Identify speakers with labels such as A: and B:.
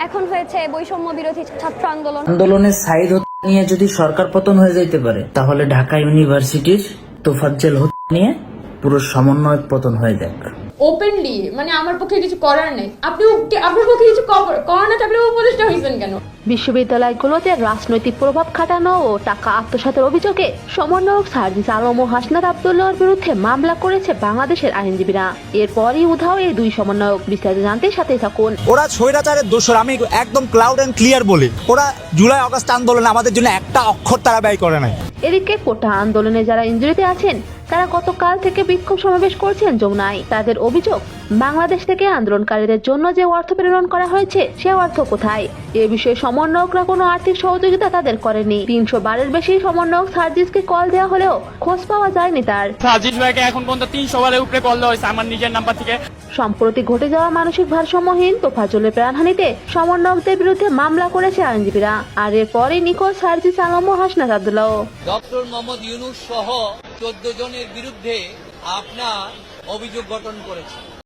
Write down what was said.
A: এখন হয়েছে বৈষম্য বিরোধী ছাত্র আন্দোলন।
B: আন্দোলনের সাইদ নিয়ে যদি সরকার পতন হয়ে যাইতে পারে, তাহলে ঢাকা ইউনিভার্সিটির তোফাজ্জল নিয়ে পুরো সমন্বয় পতন হয়ে যাক।
C: ওপেনলি মানে আমার পক্ষে কিছু করার নেই, আপনার পক্ষে কিছু করার না থাকলে উপদেষ্টা হয়েছেন কেন?
D: বিশ্ববিদ্যালয়গুলোতে রাজনৈতিক প্রভাব খাটানো ও টাকা আত্মসাতের অভিযোগে সমন্বয়ক সার্জিস আলম ও হাসনাত আব্দুল্লাহর বিরুদ্ধে মামলা করেছে বাংলাদেশের আইনজীবীরা। এরপরই উধাও এই দুই সমন্বয়ক। বিস্তারিত জানতে সাথে থাকুন।
E: ওরা স্বৈরাচারের দোষর, আমি একদম ক্লাউড এন্ড ক্লিয়ার বলি। ওরা জুলাই আগস্ট আন্দোলনে আমাদের জন্য একটা অক্ষর তারা ব্যয় করে নাই।
D: এদিকে কোটা আন্দোলনে যারা ইনজুরিতে আছেন তারা গতকাল থেকে বিক্ষোভ সমাবেশ করছেন যমুনায়। তাদের অভিযোগ, বাংলাদেশ থেকে আন্দোলনকারীদের জন্য যে অর্থ প্রেরণ করা হয়েছে সে অর্থ কোথায়? এ বিষয়ে সমন্বয়করা কোনো আর্থিক সহযোগিতা তাদের করেনি। 300 বারের বেশি সমন্বয়ক সার্জিসকে কল দেওয়া হলেও খোঁজ পাওয়া যায়নি তার।
F: সার্জিস ভাইকে এখন পর্যন্ত 300 বারের উপরে কল দেওয়া হয়েছে আমার নিজের নাম্বার থেকে।
D: সম্প্রতি ঘটে যাওয়া মানসিক ভারসাম্যহীন তোফাজ্জলের প্রাণহানিতে সমন্বয়কদের বিরুদ্ধে মামলা করেছে আইনজীবীরা। আর এরপরই নিখোঁজ সার্জিস আলম ও হাসনাত আব্দুল্লাহ।
G: ডক্টর মোহাম্মদ ইউনূস সহ 14 জনের বিরুদ্ধে আপনার অভিযোগ গঠন করেছে।